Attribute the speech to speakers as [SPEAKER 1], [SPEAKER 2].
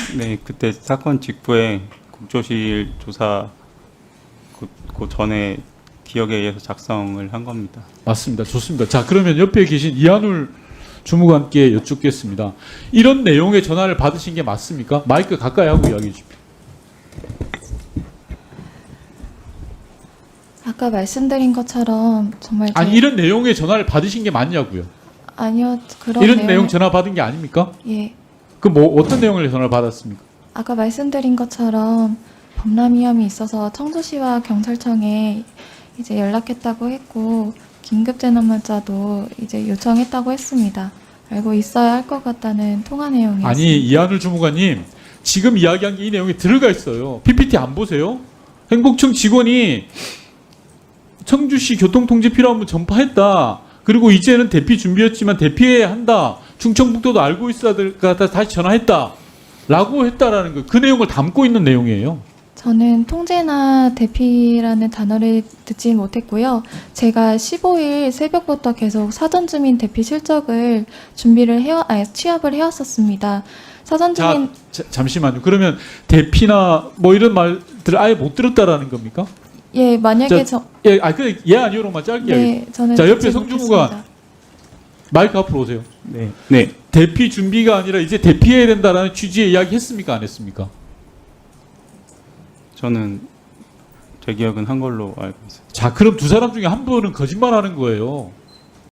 [SPEAKER 1] 네, 그때 사건 직후에 국조실 조사 그 전에 기억에 의해서 작성을 한 겁니다.
[SPEAKER 2] 맞습니다. 좋습니다. 자, 그러면 옆에 계신 이한울 주무관께 여쭙겠습니다. 이런 내용의 전화를 받으신 게 맞습니까? 마이크 가까이 하고 이야기해 주십시오.
[SPEAKER 3] 아까 말씀드린 것처럼 정말
[SPEAKER 2] 아니, 이런 내용의 전화를 받으신 게 맞냐고요?
[SPEAKER 3] 아니요, 그런
[SPEAKER 2] 이런 내용 전화 받은 게 아닙니까?
[SPEAKER 3] 예,
[SPEAKER 2] 그 뭐 어떤 내용을 전화를 받았습니까?
[SPEAKER 3] 아까 말씀드린 것처럼 범람 위험이 있어서 청주시와 경찰청에 이제 연락했다고 했고 긴급 재난 문자도 이제 요청했다고 했습니다. 알고 있어야 할 것 같다는 통화 내용이었습니다.
[SPEAKER 2] 아니, 이한울 주무관님, 지금 이야기한 게 이 내용에 들어가 있어요. PPT 안 보세요? 행복청 직원이 청주시 교통통제 필요하면 전파했다. 그리고 이제는 대피 준비였지만 대피해야 한다. 충청북도도 알고 있어야 될 것 같아 다시 전화했다. 라고 했다라는 거. 그 내용을 담고 있는 내용이에요.
[SPEAKER 3] 저는 통제나 대피라는 단어를 듣지 못했고요. 제가 15일 새벽부터 계속 사전 주민 대피 실적을 취합을 해왔었습니다. 사전 주민
[SPEAKER 2] 잠시만요. 그러면 대피나 뭐 이런 말들을 아예 못 들었다라는 겁니까?
[SPEAKER 3] 예, 만약에
[SPEAKER 2] 예, 아니요로만 짧게.
[SPEAKER 3] 네, 저는
[SPEAKER 2] 자, 옆에
[SPEAKER 3] 듣지
[SPEAKER 2] 성주무관
[SPEAKER 3] 못했습니다.
[SPEAKER 2] 마이크 앞으로 오세요.
[SPEAKER 1] 네, 네,
[SPEAKER 2] 대피 준비가 아니라 이제 대피해야 된다라는 취지의 이야기 했습니까? 안 했습니까?
[SPEAKER 1] 저는 제 기억은 한 걸로 알고 있어요.
[SPEAKER 2] 자, 그럼 두 사람 중에 한 분은 거짓말하는 거예요.